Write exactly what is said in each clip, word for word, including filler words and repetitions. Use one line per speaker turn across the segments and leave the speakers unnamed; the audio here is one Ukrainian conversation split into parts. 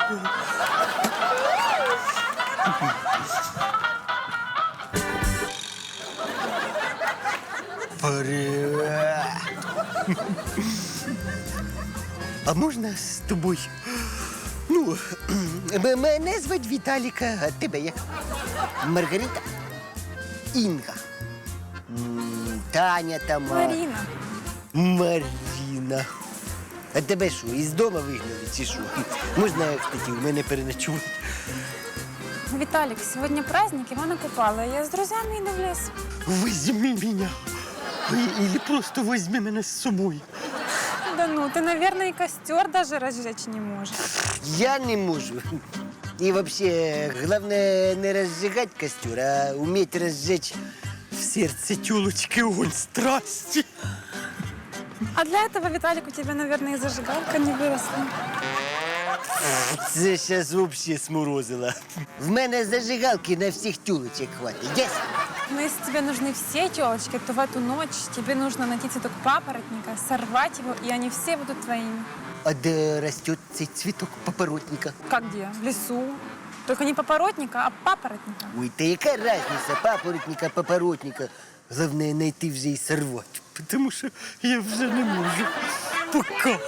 Привет. А можна з тобою? Ну, м- мене звуть Віталіка, а тебе як? Маргарита? Інга. М, Таня там. а-
Марина.
Маріна. А тебе що, із дому вигнали чи що? Можна, кстати, у мене переночувати?
Виталик, сегодня праздник Ивана Купала. Я с друзьями иду в лес.
Возьми мене. І- Или просто возьми мене з собою.
Да ну, ты, наверное, и костер даже разжечь не можешь.
Я не можу. І вообще, головне не розжигати костер, а уметь розжечь в сердце тёлочки огонь страсти.
А для этого, Виталик, у тебя, наверное, и зажигалка не выросла.
Це зараз взагалі сморозило. В мене зажигалки на всіх тюлочок хватить. Ясно?
Но если тебе нужны все телочки, то в эту ночь тебе нужно найти цветок папоротника, сорвать его, и они все будут твоими.
А де росте цей цвіток папоротника?
Как где? В лесу. Только не папоротника, а папоротника.
Ой, та яка різниця папоротника, папоротника? Головне знайти вже і сорвати. Тому що я вже не можу. Пока.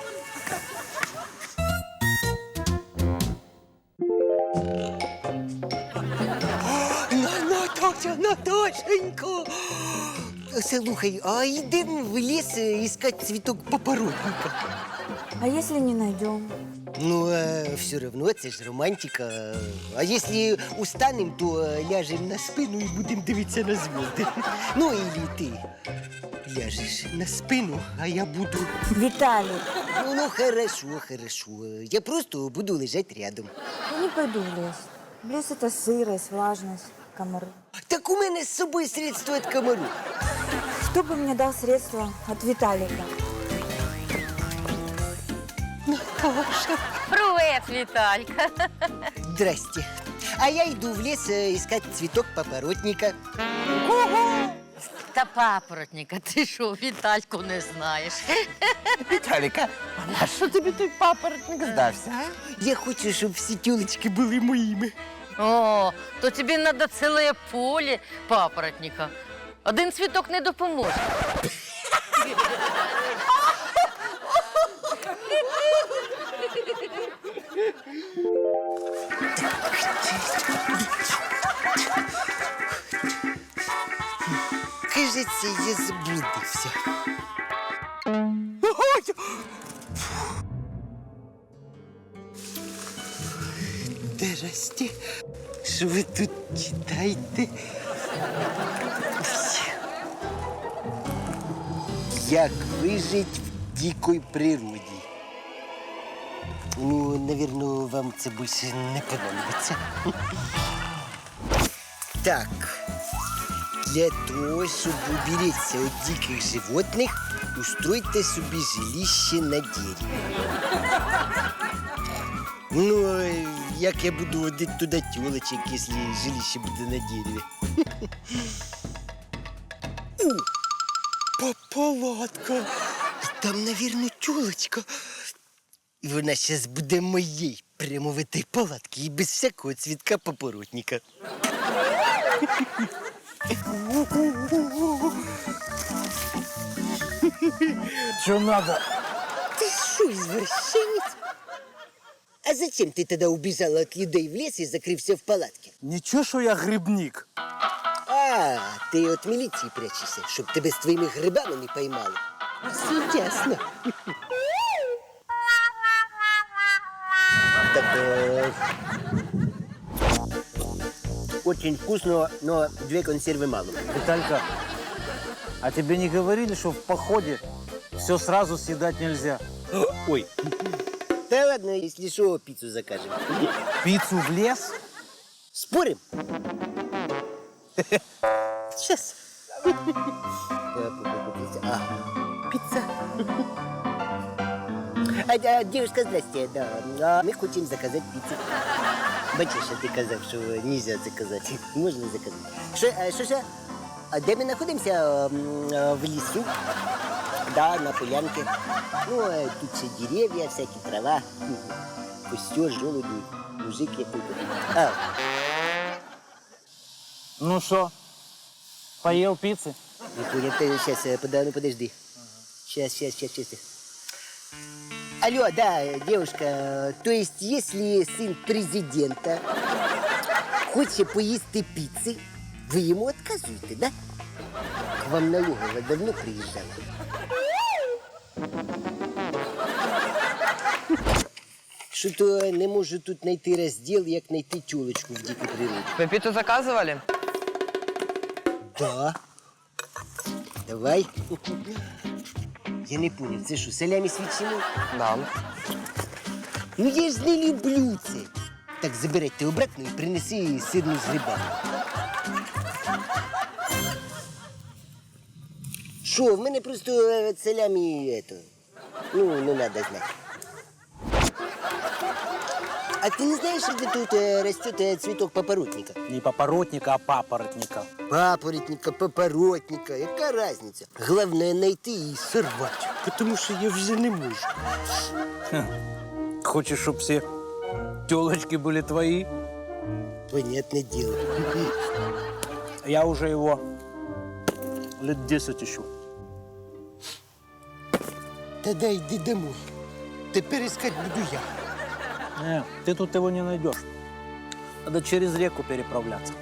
Наташа, Наташенька! Слухай, а йдемо в ліс іскати цвіток папоротника.
А если не найдем?
Ну, а все равно, це ж романтика. А якщо устанем, то ляжемо на спину і будемо дивитися на звезди. Ну, или ти ляжеш на спину, а я буду...
Виталий,
Ну, ну, хорошо, хорошо. Я просто буду лежать рядом.
я не пойду в лес. В лес это сырость, влажность, комары.
Так у мене з собою средство від комару.
Кто бы мне дал средства от Виталика?
Привет, Віталька.
Здрасте. А я йду в ліс е, іскати цвіток папоротника.
Та папоротника, ти що, Вітальку не знаєш?
Віталіка, а що тобі той папоротник здався, а?
Я хочу, щоб всі тюлечки були моїми.
О, то тобі треба ціле поле папоротника. Один цвіток не допоможе.
Кажеться, я заблудився. Здрасте. Що ви тут читаєте? Як вижити в дикій природі? Ну, навірно, вам це більше не понадобиться. Так. Для того, щоб уберечься от диких животних, устройте собі жилище на дереві. Ну, а як я буду водити туди тілочок, якщо жилище буде на дереві? О, палатка. Там, навірно, тюлочка. І вона зараз буде моєю прямо в этой палатці і без всякого цвітка папоротника.
Що надо?
Ты что, извращенец? А зачем ты тогда убежала от людей в лес и закрывся в палатке?
Нічого, що я грибник.
А, ты от милиции прячешься, чтоб тебя с твоими грибами не поймали. Все ясно. Так, э, очень вкусно, но две консервы мало.
Виталька, а тебе не говорили, что в походе все сразу съедать нельзя?
Ой. Да ладно, если что, пиццу закажем.
Пиццу в лес?
Спорим? Сейчас. А, пицца. А, а, девушка, здрасте, да. А мы хотим заказать пиццу. Бачиш, ти казав, що нельзя заказати. Можна заказати. Що, а, що, що? А де ми знаходимося? М, а, В лісу. Да, на полянке. Ну, а тут ще дерев'я, всякі трава. Костер, желуди, мужик який-то. А,
Ну что, поел пиццы?
не понял, ты сейчас, пода, ну подожди. Сейчас, сейчас, сейчас, сейчас. Алло, да, девушка, то есть если сын президента хочет поїсти пиццы, вы ему отказуете, да? К вам налоговая давно приезжала? Що-то не можу тут знайти розділ, як знайти тюлечку в дикій природі.
Вы пиццу заказывали?
Да. Давай. Я не понял, це що, салямі з ветчиною?
Да.
Ну я ж не люблю це. Так, забирайте обратно і принеси сирну з грибами. Що, в мене просто е, салямі, ето, ну, не надо знати. А ты не знаешь, где тут э, растет э, цветок папоротника?
Не папоротника, а папоротника.
Папоротника, папоротника, яка разница? Главное найти и сорвать, потому что я уже не можу.
Хочешь, чтобы все телочки были твои?
Понятное дело.
Я уже его лет десять ищу.
Тогда иди домой. Теперь искать буду я.
Не, ты тут его не найдешь. Надо через реку переправляться.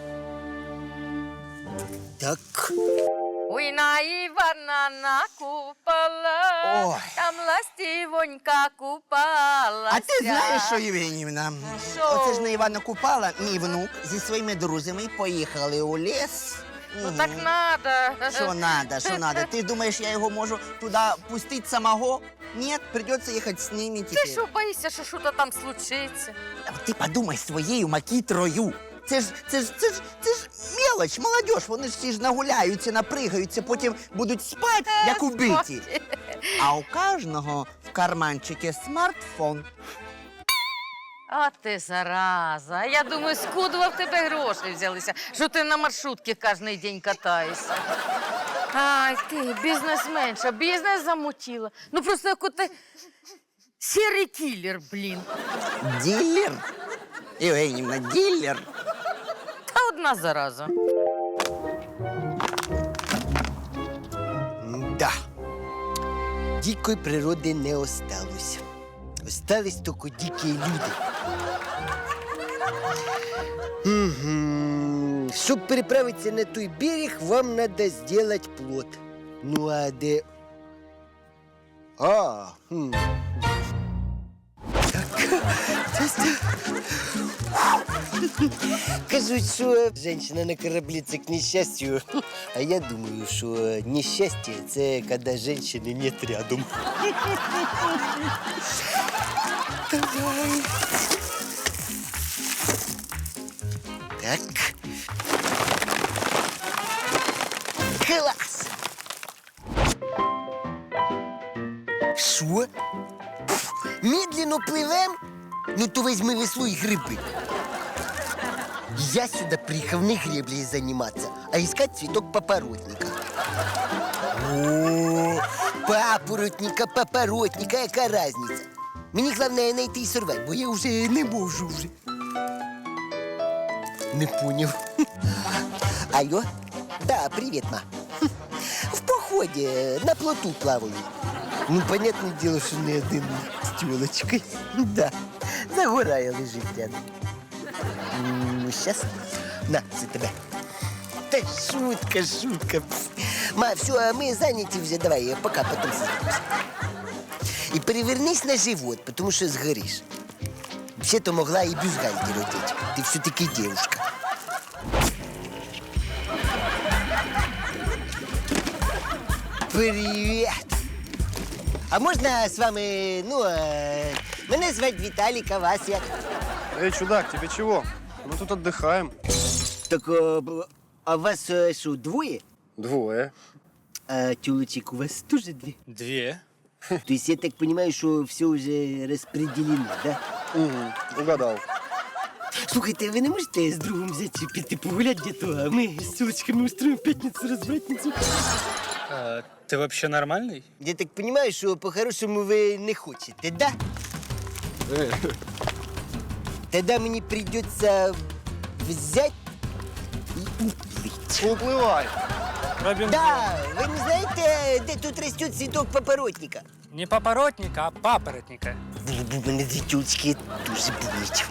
Так.
Ой, на Івана накупала,
Ой.
там ластівонька купалася.
А ти знаєш, що, Євгенівна?
Що?
Оце ж на Івана Купала мій внук зі своїми друзями поїхали у ліс.
Ну так надо.
Що надо, що надо? Ти думаєш, я його можу туди пустити самого? Ні, придеться їхати з ними тепер.
Ти що боїшся, що щось там случиться?
Ти подумай своєю макітрою. Це ж, це ж, це ж, це ж мелоч, молодь, вони ж всі ж нагуляються, напригаються, потім будуть спати, як убиті. А у кожного в карманчику смартфон.
А ти зараза. Я думаю, скудова в тебе гроші взялися, що ти на маршрутці кожен день катаєшся. Ай, ти бізнесменша, бізнес замутила. Ну просто як ти сірий кілер, блін.
Дилер? Євгенівна, дилер?
Та одна зараза.
Да. Дикої природи не осталось. Остались тільки дикі люди. Угу. Щоб переправитися на той берег, вам надо сделать плот. Ну а де... А, хм. Кажуть, що жінка на кораблі – це к нещастю, а я думаю, що нещастя – це коли жінки нет рядом. Давай. Так. Клас! Що? Пф, медленно пливем? Ну то візьми весло і гриби. Я сюда приехал не греблей заниматься, а искать цветок папоротника. О, папоротника, папоротника, яка разниця? Мені головне знайти і сорвати, бо я вже не можу вже. Не понял. Алло? Да, привет, ма. В походе на плоту плаваю. Ну, понятное дело, что не один с тёлочкой. Да, загорає лежить рядом. Ну, сейчас. На, це тебе. Та шутка, шутка. Ма, все, ми зайняті вже, давай, пока, потом созвонимся. І перевернись на живот, потому що згориш. Вообще-то могла і бюстгальтер одеть. Ти все-таки девушка. Привет! А можна з вами, ну, е, мене звати Віталік, а вас як?
Эй, чудак, тебе чего? Мы тут отдыхаем.
Так, а, б- а вас е, що, двоє?
Двое.
А тюлочек у вас тоже две?
Две.
То есть я так понимаю, что все уже распределено, да?
Угу, угадал.
Слухайте, ви не можете з другом взяти піти погуляти где-то, а ми з тюлочками устроим п'ятницю-розбратницю?
А, ты вообще нормальный?
Я так понимаю, що по-хорошому ви не хочете, да? тогда мені придется взять и уплыть.
Уплывай.
Робинзон.
Да, ви не знаєте, де тут росте цвіток папоротника?
Не папоротника, а папоротника.
Було б у мене дві тюлечки, дуже болить.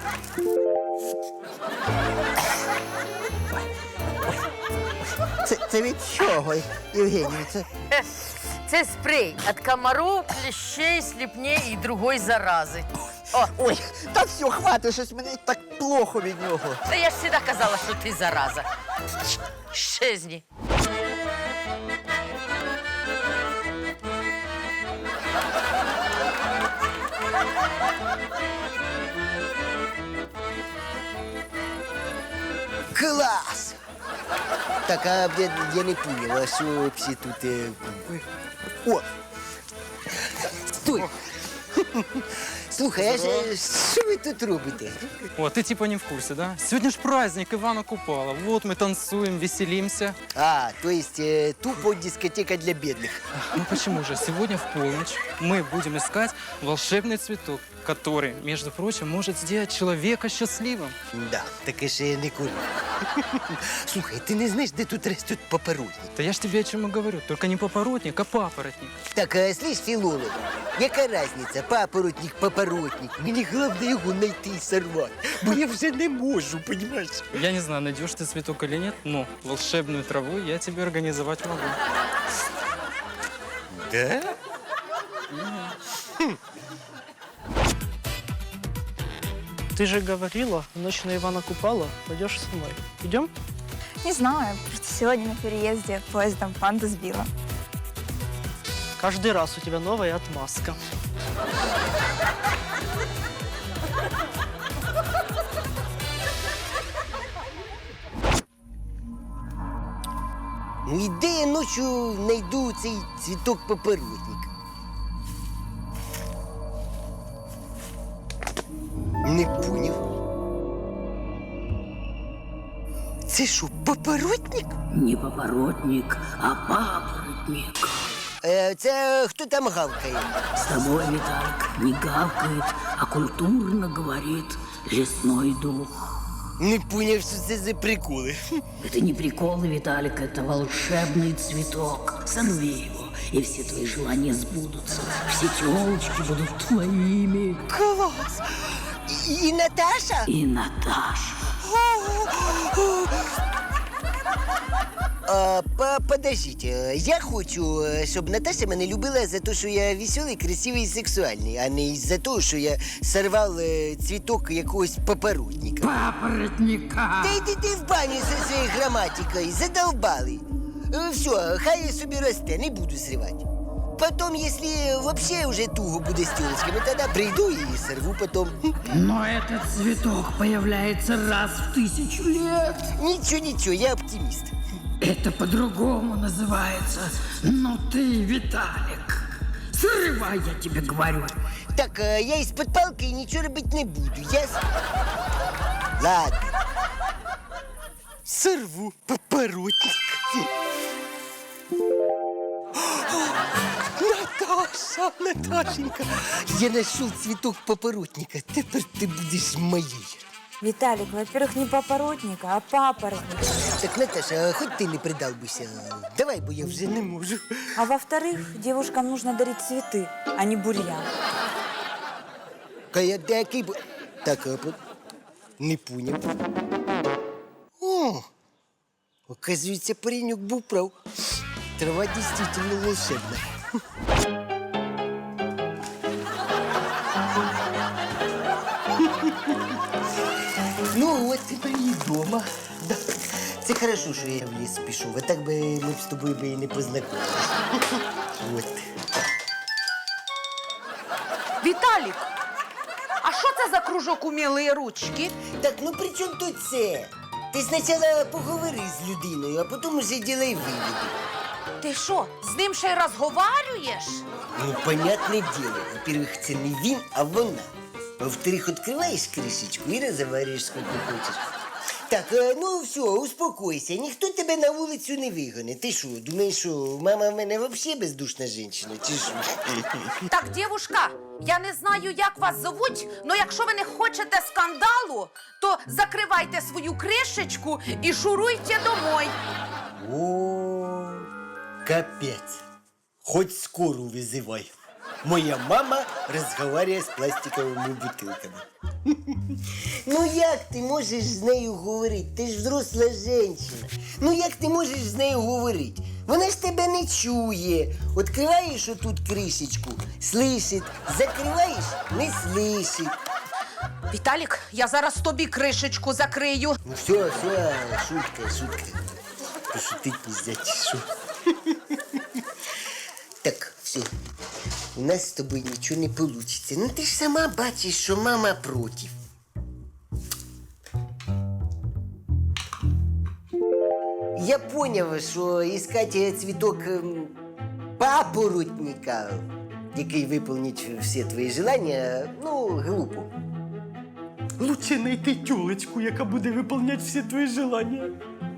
Це, це від чого, Євгенію? Це...
Це спрей від комаров, кліщей, сліпней і другої зарази. О,
Ой, та все, хватить, щось мені так плохо від нього.
та я ж завжди казала, що ти зараза. Щезні.
Клас! Так, а я, я не понял, а що всі тут... Е... О! Стой! Слухай, а ж, е, що ви тут робите?
О, ты типа не в курсе, да? Сегодня ж праздник Ивана Купала. Вот мы танцуем, веселимся.
А, то есть е, тупо дискотека для бедных.
Ну почему же? Сегодня в полночь мы будем искать волшебный цветок, который, между прочим, может сделать человека счастливым.
Да, таке ще я не курю. Слухай, ти не знаєш, де тут ростуть папоротник?
Да я ж тебе о чем и говорю. Только не папоротник, а папоротник.
Так, а слышь, филолог, яка разниця, папоротник, папоротник? Мені головне його знайти і сорвати, бо я вже не можу, понімаєш?
Я не знаю, найдешь ты цветок или нет, но волшебную траву я тебе организовать могу.
Да?
Ты же говорила, в ночь на Ивана Купала пойдешь со мной. Идем?
Не знаю, просто сегодня на переезде поездом панду сбила.
Каждый раз у тебя новая отмазка.
Ну і де я ночі знайду цей цвіток папоротник? Не поняв. Це що, папоротник?
Не папоротник, а папоротник.
Е, це хто там гавкає?
С тобой, Виталик, не гавкает, а культурно говорит лесной дух.
Не поняв, що це за приколи.
Это не приколы, Виталик, это волшебный цветок. Сорви его, и все твои желания сбудутся. Все телочки будут твоими.
Клас! І, і Наташа?
И Наташа.
А, по- подождите, я хочу, е, щоб Наташа мене любила за те, що я веселий, красивий і сексуальний, а не за те, що я сорвав е, цвіток якогось папоротника.
Папоротника.
Та йди ти в баню зі своєю граматикою, задолбали. Е, Все, хай собі росте, не буду зривати. Потом, если вообще уже туго буде з тілочками, тогда прийду і сорву потом.
Но этот цветок появляется раз в тысячу лет.
Нічого, нічого, я оптиміст.
Это по-другому называется. Но ты, Виталик, срывай, я тебе говорю.
Так, е, я із-під палки нічого робити не буду, ясно? Ладно. Сорву папоротник. Наташа, Наташенька, я знайшов цвіток папоротника. Тепер ти будеш моєю.
Виталик, во-первых, не папоротник, а папоротник.
Так, Наташа, хоч ти не придавбися. Давай, бо я вже не можу.
А во-вторых, девушкам нужно дарить цветы, а не бурьян.
Кая який бо... Так, а по- не поняв. О, оказується, паренек був прав. Трава дійсно волшебна. Ну, от тепер і вдома. Да. Це хорошо, що я в ліс пішов, а так би ми б з тобою би і не познайомилися. От.
Віталік, а що це за кружок умілої ручки?
Так, ну при чому тут це? Ти спочатку поговори з людиною, а потім уже ділай виводи.
Ти що, з ним ще й розговарюєш?
Ну, понятне діло. Во-первых, це не він, а вона. Во-вторых, відкриваєш кришечку і розговорюєш, скільки хочеш. Так, е, ну все, успокойся, ніхто тебе на вулицю не вигоне. Ти що, думаєш, що мама в мене взагалі бездушна жінка, чи що?
Так, дівушка, я не знаю, як вас зовуть, але якщо ви не хочете скандалу, то закривайте свою кришечку і шуруйте домой.
О, капець. Хоть скору визивай. Моя мама розмовляє з пластиковими бутилками. Ну як ти можеш з нею говорити? Ти ж взросла жінка. Ну як ти можеш з нею говорити? Вона ж тебе не чує. Відкриваєш отут кришечку, слышить. Закриваєш, не слышить.
Віталік, я зараз тобі кришечку закрию.
Ну все, все, шутка, шутка. Пошутить нельзя, чи що? Так, все. У нас з тобою нічого не вийде. Ну ти ж сама бачиш, що мама проти. Я поняв, що іскати цвіток ем, папоротника, який виповнить всі твої желання, ну, глупо. Лучше знайти тюлечку, яка буде виконувати всі твої желання.